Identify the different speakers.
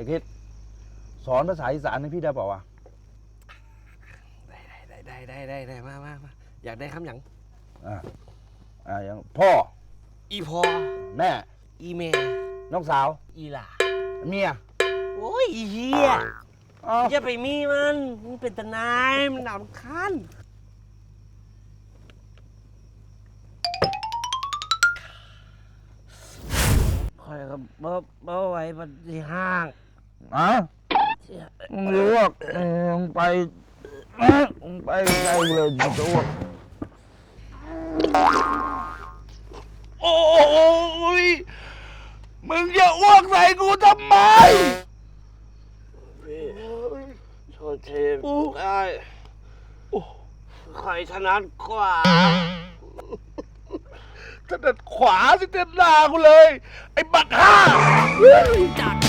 Speaker 1: อ้คิดสอนภาษาอีสานให้พี่ได้เปล่าวะ
Speaker 2: ได้มาอยากได้คำหยัง
Speaker 1: อย่างพ่อ
Speaker 2: อีพอ
Speaker 1: แม่
Speaker 2: อีเม
Speaker 1: น้องสาว
Speaker 2: อีหล่า
Speaker 1: เมีย
Speaker 2: โอ้ยอีเฮียอย่าไปมีมันเป็นตะนายมันหนำคันคอยกับบ่ไหวบัดที่ห้าง
Speaker 1: มึงรู้ว่ามึงไปไกลเลยจะอ้วกโอ้ยมึงจะอ้วกใส่กูทำไม
Speaker 2: โทษทีได้ใครถนัดกว่า
Speaker 1: ถนัดขวาสิเต็มหน้ากูเลยไอ้บักห่า
Speaker 2: จาก